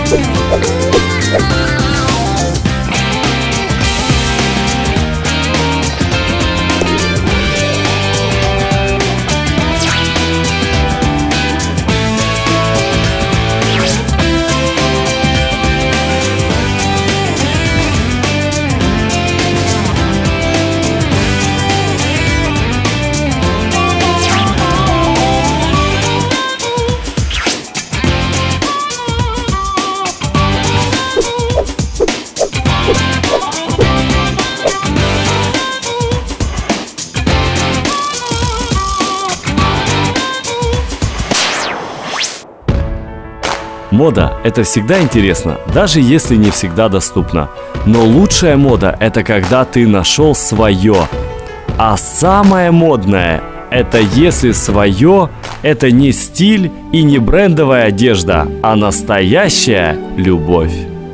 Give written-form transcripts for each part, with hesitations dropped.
Мода – это всегда интересно, даже если не всегда доступно. Но лучшая мода – это когда ты нашел свое. А самое модное – это если свое – это не стиль и не брендовая одежда, а настоящая любовь.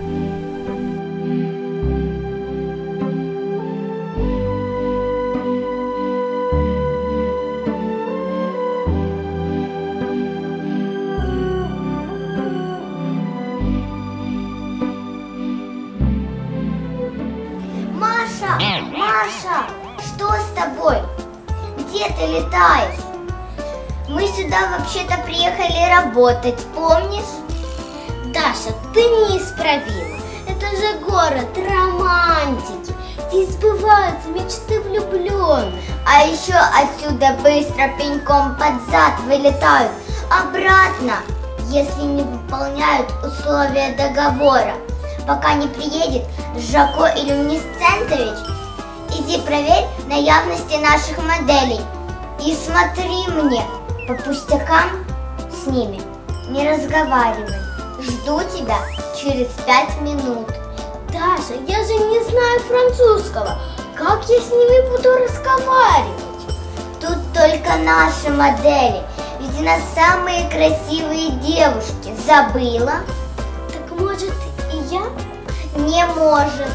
Маша, что с тобой? Где ты летаешь? Мы сюда вообще-то приехали работать, помнишь? Даша, ты неисправима. Это же город романтики. Здесь сбываются мечты влюбленных. А еще отсюда быстро пеньком под зад вылетают обратно, если не выполняют условия договора. Пока не приедет Жако Иллюминесцентович, иди проверь на явности наших моделей. И смотри мне, по пустякам с ними не разговаривай. Жду тебя через 5 минут. Даша, я же не знаю французского. Как я с ними буду разговаривать? Тут только наши модели. Ведь у нас самые красивые девушки. Забыла? Так может и я? Не может.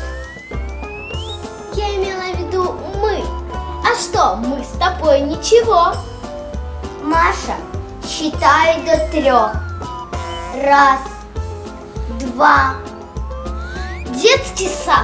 Я имела в виду мы. А что, мы с тобой ничего. Маша, считаю до 3. 1, 2. Детский сад.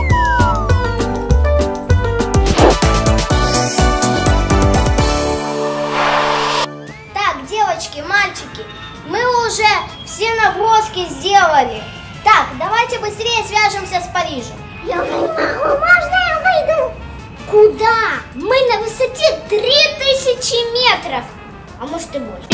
Так, девочки, мальчики, мы уже все наброски сделали. Так, давайте быстрее свяжемся с Парижем. Я не могу, можно я выйду? Куда? Мы на высоте 3000 метров. А может и больше.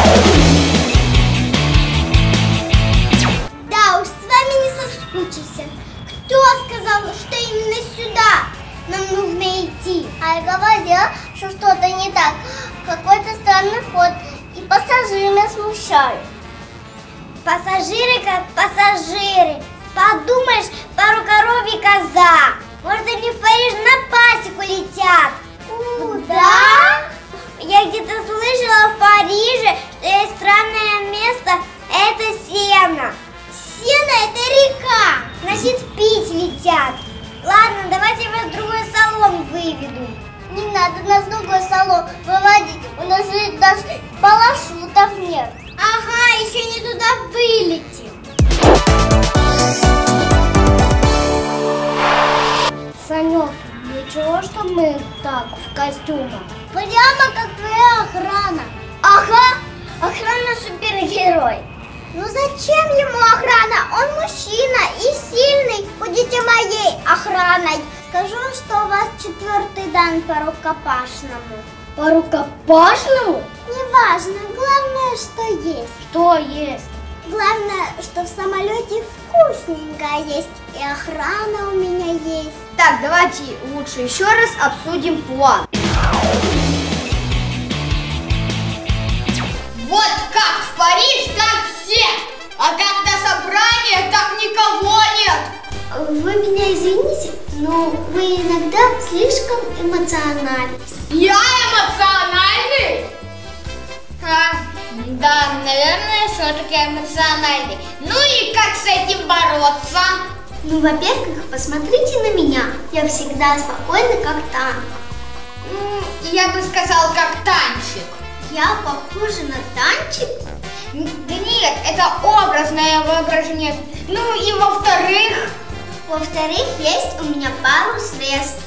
Да уж, с вами не соскучишься. Кто сказал, что именно сюда нам нужно идти? А я говорила, что что-то не так. Какой-то странный ход. И пассажиры меня смущают. Пассажиры как пассажиры. Подумаешь, пару коров и коза. Может, они в Париж на пасеку летят. Куда? Я где-то слышала в Париже, что есть странное место. Это Сена. Сена – это река. Значит, пить летят. Ладно, давайте вас в другой салон выведу. Не надо нас в другой салон выводить. У нас же даже парашютов нет. Ага, еще не туда вылетим. Санек, ничего, что мы так в костюмах? Прямо как твоя охрана. Ага, охрана супергерой. Ну зачем ему охрана? Он мужчина и сильный. Будете моей охраной. Скажу, что у вас 4-й дан по рукопашному. По рукопашному? Неважно, главное, что есть. Что есть? Главное, что в самолете вкусненькое есть. И охрана у меня есть. Так, давайте лучше еще раз обсудим план. Вот как в Париж, там все, а как на собраниях, так никого нет. Вы меня извините, но вы иногда слишком эмоциональны. Я эмоциональный? Да, наверное, все-таки эмоциональный. Ну и как с этим бороться? Ну, во-первых, посмотрите на меня. Я всегда спокойна, как танк. Я бы сказал, как танчик. Я похожа на танчик? Да нет, нет, это образное воображение. Ну и во-вторых, есть у меня пару средств.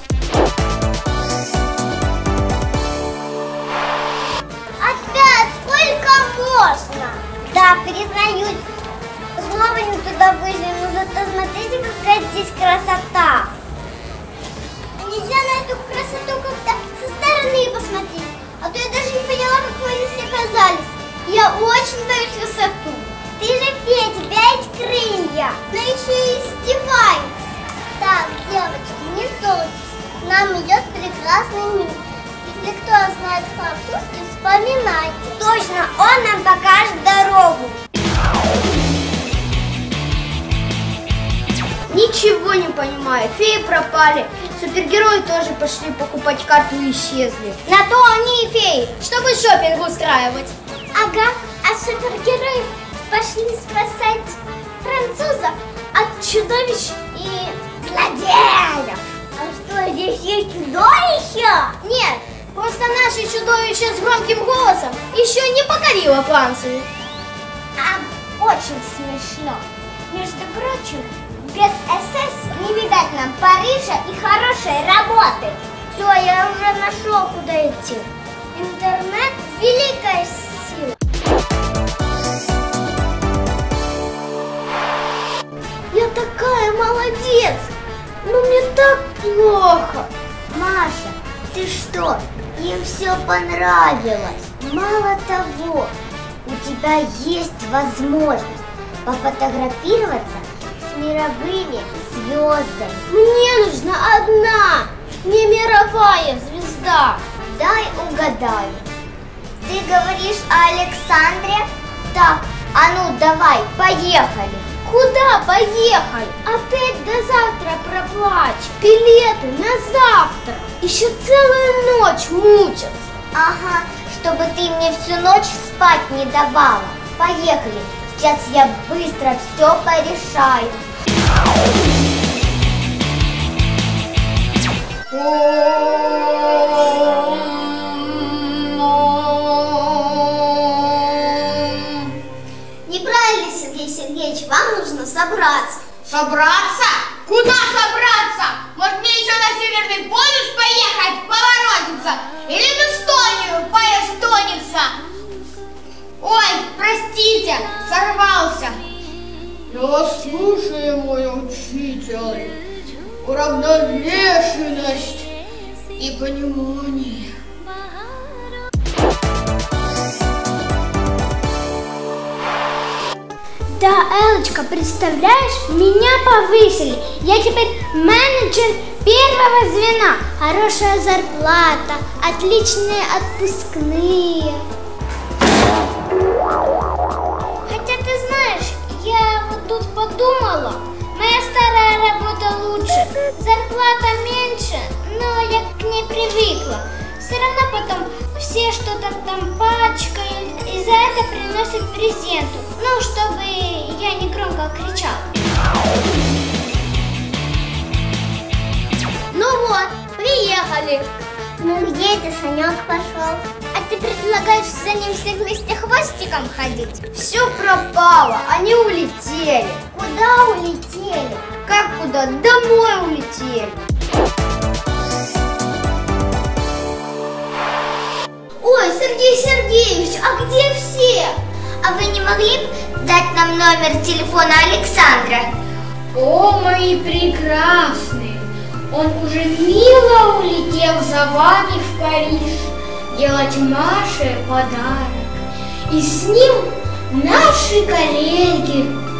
Опять сколько можно? Да, признаюсь, снова не туда вышли, но зато смотрите, какая здесь красота. Нельзя на эту красоту как-то со стороны посмотреть, а то я даже не поняла, как вы здесь оказались. Я очень боюсь высоту. Ты же фея, у тебя есть крылья, но еще и издеваешься. Так, девочки, не ссорьтесь, нам идет прекрасный мир. Если кто знает французский, вспоминайте. Точно, он нам покажет дорогу. ничего не понимаю. Феи пропали, супергерои тоже пошли покупать карту и исчезли. На то они и феи, чтобы шопинг устраивать. Ага, а супергерои пошли спасать французов от чудовищ и злодеев. А что, здесь есть чудовища? Нет, просто наше чудовище с громким голосом еще не покорило Францию. Очень смешно. Между прочим, без СС не видать нам Парижа и хорошей работы. Все, я уже нашел, куда идти. Интернет – великая сила. Я такая молодец, но мне так плохо. Маша, ты что, им все понравилось? Мало того, у тебя есть возможность пофотографироваться с мировыми звездами. Мне нужна одна, не мировая звезда. Дай угадаю. Ты говоришь о Александре? Так, а ну давай, поехали. Куда поехали? Опять до завтра проплачем. Билеты на завтра. Еще целую ночь мучатся. Ага, чтобы ты мне всю ночь спать не давала. Поехали, сейчас я быстро все порешаю. Неправильно, Сергей Сергеевич, вам нужно собраться. Собраться? Куда собраться? Может, мне еще на Северный полюс поехать, поворотиться? Или в Эстонию поэстониться? Ой, простите, сорвался. Я вас слушаю, мой учитель. Уравновешенность и понимание. Да, Элочка, представляешь, меня повысили. Я теперь менеджер первого звена. Хорошая зарплата, отличные отпускные. Хотя ты знаешь, я вот тут подумала, моя старая работа лучше, зарплата меньше, но я к ней привыкла. Все равно потом все что-то там пачкают и за это приносят презенту. Ну, чтобы я не громко кричала. Ну вот, приехали. Ну где ты, Санек, пошел? А ты предлагаешь за ним всех вместе хвостиком ходить? Все пропало, они улетели. Куда улетели? Как куда? Домой улетели. Ой, Сергей Сергеевич, а где все? А вы не могли бы дать нам номер телефона Александра? О, мои прекрасные! Он уже мило улетел за вами в Париж делать Маше подарок. И с ним наши коллеги